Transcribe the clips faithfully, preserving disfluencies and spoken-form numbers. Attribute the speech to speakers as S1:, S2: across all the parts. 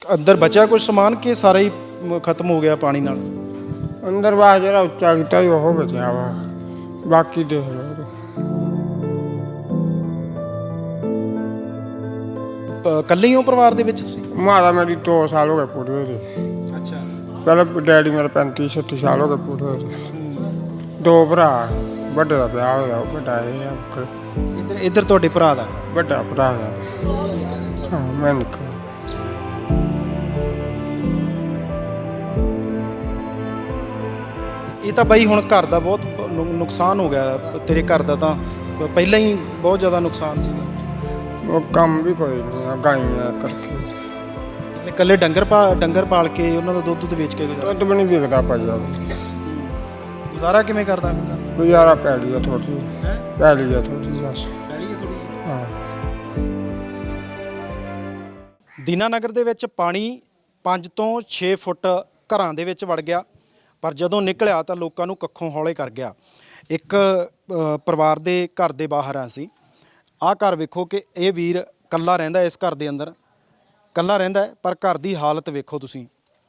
S1: अंदर बचा कुछ सामान कि सारा ही खत्म हो गया पानी नाल?
S2: अंदर वाह जरा उच्चा किया वो बचा वा, बाकी देख लो।
S1: कल्ले ही हो परिवार दे विच तुसीं?
S2: माता मेरी दो साल हो गए पूरे हुए थे।
S1: अच्छा।
S2: पहले डैडी मेरे पैंती छत्ती साल हो गए पूरे हुए थे। दो भरा, बड़े का ब्याह होया, बड़ा है
S1: इधर इधर तुहाडे भरा दा?
S2: बड़ा भरा है। हाँ मैं निक्का।
S1: ਇਹ ਤਾਂ ਬਾਈ ਹੁਣ ਘਰ ਦਾ ਬਹੁਤ ਨੁ- ਨੁਕਸਾਨ ਹੋ ਗਿਆ ਤੇਰੇ ਘਰ ਦਾ, ਤਾਂ ਪਹਿਲਾਂ ਹੀ ਬਹੁਤ ਜ਼ਿਆਦਾ ਨੁਕਸਾਨ ਸੀਗਾ।
S2: वो काम भी कोई नहीं है, गाइयाँ करके
S1: ਇਕੱਲੇ ਡੰਗਰ ਪਾ ਡੰਗਰ ਪਾਲ ਕੇ ਉਹਨਾਂ ਦਾ ਦੁੱਧ ਦੁੱਧ ਵੇਚ ਕੇ ਗੁਜ਼ਾਰਾ
S2: दुध भी नहीं बिकता पाया।
S1: ਗੁਜ਼ਾਰਾ ਕਿਵੇਂ ਕਰਦਾ?
S2: गुजारा पैली है थोड़ी,
S1: ਹੈ
S2: पैली है थोड़ी बस।
S1: ਪੈਲੀ ਹੈ ਥੋੜੀ।
S2: हाँ
S1: ਦੀਨਾਨਗਰ ਦੇ ਵਿੱਚ ਪਾਣੀ ਪੰਜ ਤੋਂ ਛੇ ਫੁੱਟ ਘਰਾਂ ਦੇ ਵਿੱਚ ਵੜ ਗਿਆ, ਪਰ ਜਦੋਂ ਨਿਕਲਿਆ ਤਾਂ ਲੋਕਾਂ ਨੂੰ ਕੱਖੋਂ ਹੌਲੇ ਕਰ ਗਿਆ। ਇੱਕ ਅ, ਪਰਿਵਾਰ ਦੇ ਘਰ ਦੇ ਬਾਹਰ ਆ ਸੀ। ਆਹ ਘਰ ਵੇਖੋ ਕਿ ਇਹ ਵੀਰ ਕੱਲਾ ਰਹਿੰਦਾ, ਇਸ ਘਰ ਦੇ ਅੰਦਰ ਕੱਲਾ ਰਹਿੰਦਾ ਹੈ, ਪਰ ਘਰ ਦੀ ਹਾਲਤ ਵੇਖੋ ਤੁਸੀਂ।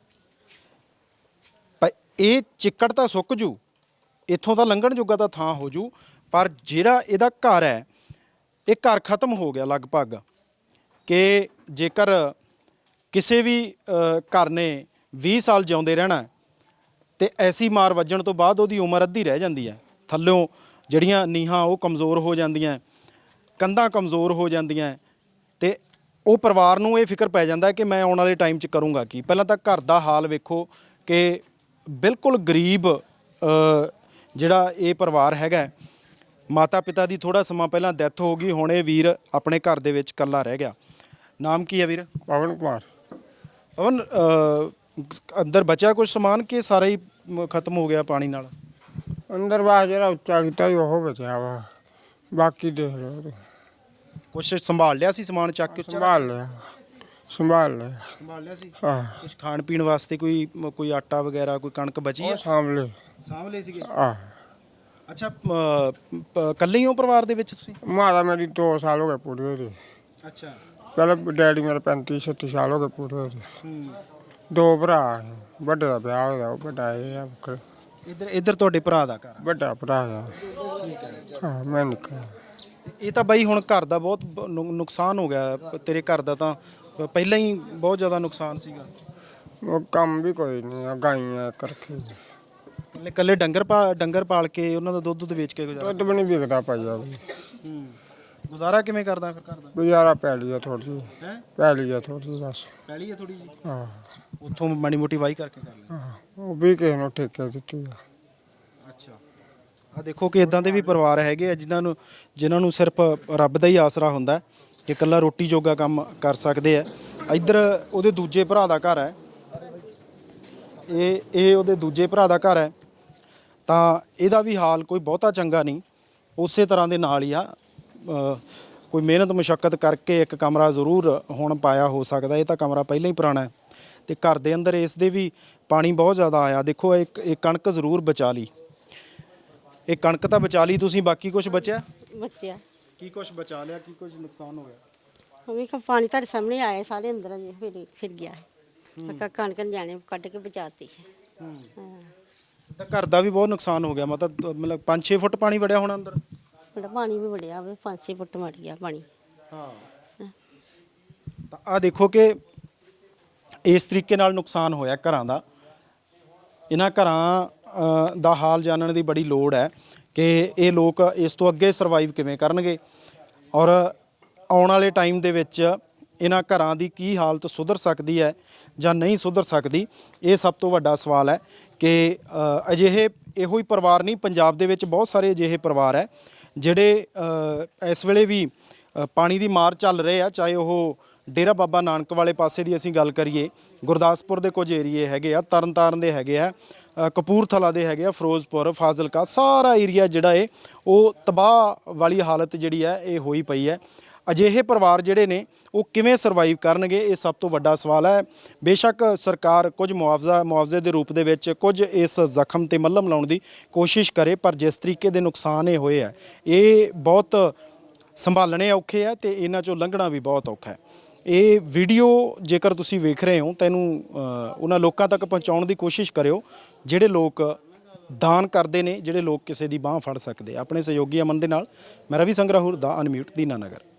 S1: ਪਰ ਇਹ ਚਿੱਕੜ ਤਾਂ ਸੁੱਕ ਜੂ, ਇੱਥੋਂ ਤਾਂ ਲੰਘਣ ਜੋਗਾ ਤਾਂ ਥਾਂ ਹੋ ਜੂ, ਪਰ ਜਿਹੜਾ ਇਹਦਾ ਘਰ ਹੈ ਇਹ ਘਰ ਖਤਮ ਹੋ ਗਿਆ ਲਗਭਗ। ਕਿ ਜੇਕਰ ਕਿਸੇ ਵੀ ਅ, ਘਰ ਨੇ ਵੀਹ ਸਾਲ ਜਿਉਂਦੇ ਰਹਿਣਾ ਤੇ ਐਸੀ ਮਾਰ ਵੱਜਣ ਤੋਂ ਬਾਅਦ ਉਹਦੀ ਉਮਰ ਅੱਧੀ ਰਹਿ ਜਾਂਦੀ ਹੈ। ਥੱਲਿਓਂ ਜਿਹੜੀਆਂ ਨੀਹਾਂ ਉਹ ਕਮਜ਼ੋਰ ਹੋ ਜਾਂਦੀਆਂ, ਕੰਧਾਂ ਕਮਜ਼ੋਰ ਹੋ ਜਾਂਦੀਆਂ, ਤੇ ਉਹ ਪਰਿਵਾਰ ਨੂੰ ਇਹ ਫਿਕਰ ਪੈ ਜਾਂਦਾ ਕਿ ਮੈਂ ਆਉਣ ਵਾਲੇ ਟਾਈਮ 'ਚ ਕਰੂੰਗਾ ਕੀ। ਪਹਿਲਾਂ ਤਾਂ ਘਰ ਦਾ ਹਾਲ ਵੇਖੋ ਕਿ ਬਿਲਕੁਲ ਗਰੀਬ ਅ, ਜਿਹੜਾ ਇਹ ਪਰਿਵਾਰ ਹੈਗਾ। ਮਾਤਾ ਪਿਤਾ ਦੀ ਥੋੜ੍ਹਾ ਸਮਾਂ ਪਹਿਲਾਂ ਡੈਥ ਹੋ ਗਈ, ਹੁਣ ਇਹ ਵੀਰ ਆਪਣੇ ਘਰ ਦੇ ਵਿੱਚ ਇਕੱਲਾ ਰਹਿ ਗਿਆ। ਨਾਮ ਕੀ ਹੈ ਵੀਰ?
S2: पवन कुमार।
S1: ਪਵਨ, ਅ, ਅੰਦਰ ਬਚਿਆ ਕੁਝ ਸਮਾਨ ਕਿ ਸਾਰਾ ਹੀ ਮ- ਖਤਮ ਹੋ ਗਿਆ ਪਾਣੀ ਨਾਲ?
S2: अंदर वाह जरा उच्चा किया वो बचा वा, बाकी देख लो।
S1: ਕੁਛ ਸੰਭਾਲ ਲਿਆ ਸੀ ਸਮਾਨ ਚੱਕ ਕੇ? ਉੱਚਾ
S2: संभाल लिया, संभाल लिया।
S1: ਸੰਭਾਲ ਲਿਆ ਸੀ।
S2: हाँ
S1: ਕੁਝ ਖਾਣ ਪੀਣ ਵਾਸਤੇ ਕੋਈ ਮ- ਕੋਈ ਆਟਾ ਵਗੈਰਾ, ਕੋਈ ਕਣਕ ਬਚੀ
S2: वो
S1: ਹੈ?
S2: सामले।
S1: ਸਾਂਭ ਲਏ ਸੀਗੇ।
S2: हाँ
S1: ਅੱਛਾ, ਅ, ਪ- ਇਕੱਲੇ ਹੀ ਹੋ ਪਰਿਵਾਰ ਦੇ ਵਿੱਚ ਤੁਸੀਂ?
S2: माता मेरी दो साल हो गए पूरे हुए थे।
S1: ਅੱਛਾ।
S2: पहले डैडी मेरे पैंती छत्ती साल हो गए पूरे हुए थे।
S1: ਹੂੰ।
S2: दो भरा, बड़े का ब्याह होया, बड़ा है
S1: ਇੱਧਰ ਇੱਧਰ ਤੁਹਾਡੇ ਭਰਾ ਦਾ ਘਰ?
S2: बड़ा भरा है।
S1: ਠੀਕ ਹੈ।
S2: हाँ मैं निक्का।
S1: ਇਹ ਤਾਂ ਬਾਈ ਹੁਣ ਘਰ ਦਾ ਬਹੁਤ ਬ- ਨੁ- ਨੁਕਸਾਨ ਹੋ ਗਿਆ ਤੇਰੇ ਘਰ ਦਾ, ਤਾਂ ਪਹਿਲਾਂ ਹੀ ਬਹੁਤ ਜ਼ਿਆਦਾ ਨੁਕਸਾਨ ਸੀਗਾ।
S2: वो काम भी कोई नहीं है, गाइयाँ करके
S1: ਇਕੱਲੇ ਇਕੱਲੇ ਡੰਗਰ ਪਾ ਡੰਗਰ ਪਾਲ ਕੇ ਉਹਨਾਂ ਦਾ ਦੁੱਧ ਦੁੱਧ ਵੇਚ ਕੇ ਗੁਜ਼ਾਰਾ।
S2: दुध भी नहीं बिकता पाया।
S1: ਹੂੰ। ਗੁਜ਼ਾਰਾ ਕਿਵੇਂ ਕਰਦਾ ਫਿਰ ਘਰ ਦਾ?
S2: गुजारा पैली है थोड़ी,
S1: ਹੈ
S2: पैली है थोड़ी बस।
S1: ਪੈਲੀ ਹੈ ਥੋੜੀ ਜੀ,
S2: हाँ
S1: ਉੱਥੋਂ ਮਾੜੀ ਮੋਟੀ ਵਾਹੀ ਕਰਕੇ ਕਰ ਲੈ।
S2: हाँ वो भी किसी ने ठेके दी है।
S1: ਅੱਛਾ। ਆ ਦੇਖੋ ਕਿ ਇਦਾਂ ਦੇ ਵੀ ਪਰਿਵਾਰ ਹੈਗੇ ਆ ਜਿਨ੍ਹਾਂ ਨੂੰ ਜਿਨ੍ਹਾਂ ਨੂੰ ਸਿਰਫ ਰੱਬ ਦਾ ਹੀ ਆਸਰਾ ਹੁੰਦਾ ਹੈ ਕਿ ਇਕੱਲਾ ਰੋਟੀ ਜੋਗਾ ਕੰਮ ਕਰ ਸਕਦੇ ਆ। ਇੱਧਰ ਉਹਦੇ ਦੂਜੇ ਭਰਾ ਦਾ ਘਰ ਹੈ, ਇਹ ਇਹ ਉਹਦੇ ਦੂਜੇ ਭਰਾ ਦਾ ਘਰ ਹੈ, ਤਾਂ ਇਹਦਾ ਵੀ ਹਾਲ ਕੋਈ ਬਹੁਤਾ ਚੰਗਾ ਨਹੀਂ। ਉਸੇ ਤਰ੍ਹਾਂ ਦੇ ਨਾਲ ਹੀ ਆ, ਅ, ਕੋਈ ਮਿਹਨਤ ਮੁਸ਼ੱਕਤ ਕਰਕੇ ਇੱਕ ਕਮਰਾ ਜ਼ਰੂਰ ਹੁਣ ਪਾਇਆ ਹੋ ਸਕਦਾ। ਇਹ ਤਾਂ ਕਮਰਾ ਪਹਿਲਾਂ ਹੀ ਪੁਰਾਣਾ ਹੈ, ਤੇ ਘਰ ਦੇ ਅੰਦਰ ਇਸ ਦੇ ਵੀ ਪਾਣੀ ਬਹੁਤ ਜ਼ਿਆਦਾ ਆਇਆ। ਦੇਖੋ ਇੱਕ ਇਹ ਕਣਕ ਜ਼ਰੂਰ ਬਚਾ ਲਈ, ਇਹ ਕਣਕ ਤਾਂ ਬਚਾ ਲਈ ਤੁਸੀਂ, ਬਾਕੀ ਕੁਝ ਬਚਿਆ?
S3: ਬੱਚਿਆ
S1: ਕੀ ਕੁਝ ਬਚਾ ਲਿਆ, ਕੀ ਕੁਝ ਨੁਕਸਾਨ ਹੋ ਗਿਆ?
S3: ਉਹ ਵੀ ਕ- ਪਾਣੀ ਤੁਹਾਡੇ ਸਾਹਮਣੇ ਆਇਆ, ਸਾਰੇ ਅੰਦਰ ਅਜੇ ਫਿਰ ਫਿਰ ਗਿਆ ਹੈ। ਕਣਕ ਜਾਣੇ ਕੱਢ ਕੇ ਬਚਾਤੀ ਹਾਂ।
S1: ਤਾਂ ਘਰ ਦਾ ਵੀ ਬਹੁਤ ਨੁਕਸਾਨ ਹੋ ਗਿਆ, ਮਤਲਬ ਮਤਲਬ ਪੰਜ ਛੇ ਫੁੱਟ ਪਾਣੀ ਵੜਿਆ ਹੋਣਾ ਅੰਦਰ।
S3: ਬੜਾ ਪਾਣੀ ਵੀ ਵੜਿਆ ਵੇ, ਪੰਜ ਛੇ ਫੁੱਟ ਮੜ ਗਿਆ ਪਾਣੀ।
S1: ਹਾਂ। ਤਾਂ ਆ ਦੇਖੋ ਕਿ ਇਸ ਤਰੀਕੇ ਨਾਲ ਨੁਕਸਾਨ ਹੋਇਆ ਘਰਾਂ ਦਾ। ਇਹਨਾਂ ਘਰਾਂ ਅ, ਦਾ ਹਾਲ ਜਾਣਨ ਦੀ ਬੜੀ ਲੋੜ ਹੈ ਕਿ ਇਹ ਲੋਕ ਇਸ ਤੋਂ ਅੱਗੇ ਸਰਵਾਈਵ ਕਿਵੇਂ ਕਰਨਗੇ, ਔਰ ਆਉਣ ਵਾਲੇ ਟਾਈਮ ਦੇ ਵਿੱਚ ਇਹਨਾਂ ਘਰਾਂ ਦੀ ਕੀ ਹਾਲਤ ਸੁਧਰ ਸਕਦੀ ਹੈ ਜਾਂ ਨਹੀਂ ਸੁਧਰ ਸਕਦੀ। ਇਹ ਸਭ ਤੋਂ ਵੱਡਾ ਸਵਾਲ ਹੈ ਕਿ ਅ, ਅਜਿਹੇ ਇਹੋ ਹੀ ਪਰਿਵਾਰ ਨਹੀਂ, ਪੰਜਾਬ ਦੇ ਵਿੱਚ ਬਹੁਤ ਸਾਰੇ ਅਜਿਹੇ ਪਰਿਵਾਰ ਹੈ ਜਿਹੜੇ ਅ, ਇਸ ਵੇਲੇ ਵੀ ਅ, ਪਾਣੀ ਦੀ ਮਾਰ ਚੱਲ ਰਹੇ ਆ। ਚਾਹੇ ਉਹ ਡੇਰਾ ਬਾਬਾ ਨਾਨਕ ਵਾਲੇ ਪਾਸੇ ਦੀ ਅਸੀਂ ਗੱਲ ਕਰੀਏ, ਗੁਰਦਾਸਪੁਰ ਦੇ ਕੁਝ ਏਰੀਏ ਹੈਗੇ ਆ, ਤਰਨਤਾਰਨ ਦੇ ਹੈਗੇ ਆ, ਅ, ਕਪੂਰਥਲਾ ਦੇ ਹੈਗੇ ਆ, ਫਿਰੋਜ਼ਪੁਰ, ਫਾਜ਼ਿਲਕਾ, ਸਾਰਾ ਏਰੀਆ ਜਿਹੜਾ ਹੈ ਉਹ ਤਬਾਹ ਵਾਲੀ ਹਾਲਤ ਜਿਹੜੀ ਹੈ ਇਹ ਹੋਈ ਪਈ ਹੈ। ਅਜਿਹੇ ਪਰਿਵਾਰ ਜਿਹੜੇ ਨੇ ਉਹ ਕਿਵੇਂ ਸਰਵਾਈਵ ਕਰਨਗੇ, ਇਹ ਸਭ ਤੋਂ ਵੱਡਾ ਸਵਾਲ ਹੈ। ਬੇਸ਼ੱਕ ਸਰਕਾਰ ਕੁਝ ਮੁਆਵਜ਼ਾ ਮੁਆਵਜ਼ੇ ਦੇ ਰੂਪ ਦੇ ਵਿੱਚ ਕੁਝ ਇਸ ਜ਼ਖਮ ਤੇ ਮੱਲਮ ਲਾਉਣ ਦੀ ਕੋਸ਼ਿਸ਼ ਕਰੇ, ਪਰ ਜਿਸ ਤਰੀਕੇ ਦੇ ਨੁਕਸਾਨ ਇਹ ਹੋਏ ਆ ਇਹ ਬਹੁਤ ਸੰਭਾਲਣੇ ਔਖੇ ਆ ਤੇ ਇਹਨਾਂ ਚੋਂ ਲੰਘਣਾ ਵੀ ਬਹੁਤ ਔਖਾ ਹੈ। ਇਹ ਵੀਡੀਓ ਜੇਕਰ ਤੁਸੀਂ ਵੇਖ ਰਹੇ ਹੋ ਤਾਂ ਇਹਨੂੰ ਅ, ਉਹਨਾਂ ਲੋਕਾਂ ਤੱਕ ਪਹੁੰਚਾਉਣ ਦੀ ਕੋਸ਼ਿਸ਼ ਕਰਿਓ ਜਿਹੜੇ ਲੋਕ ਦਾਨ ਕਰਦੇ ਨੇ, ਜਿਹੜੇ ਲੋਕ ਕਿਸੇ ਦੀ ਬਾਹ ਫੜ ਸਕਦੇ। ਆਪਣੇ ਸਹਿਯੋਗੀ ਅਮਨ ਦੇ ਨਾਲ ਮੈਂ ਰਵੀ ਸੰਗਰਾਹੁਰ ਦਾ ਅਨਮਿਊਟ ਦੀਨਾਨਗਰ।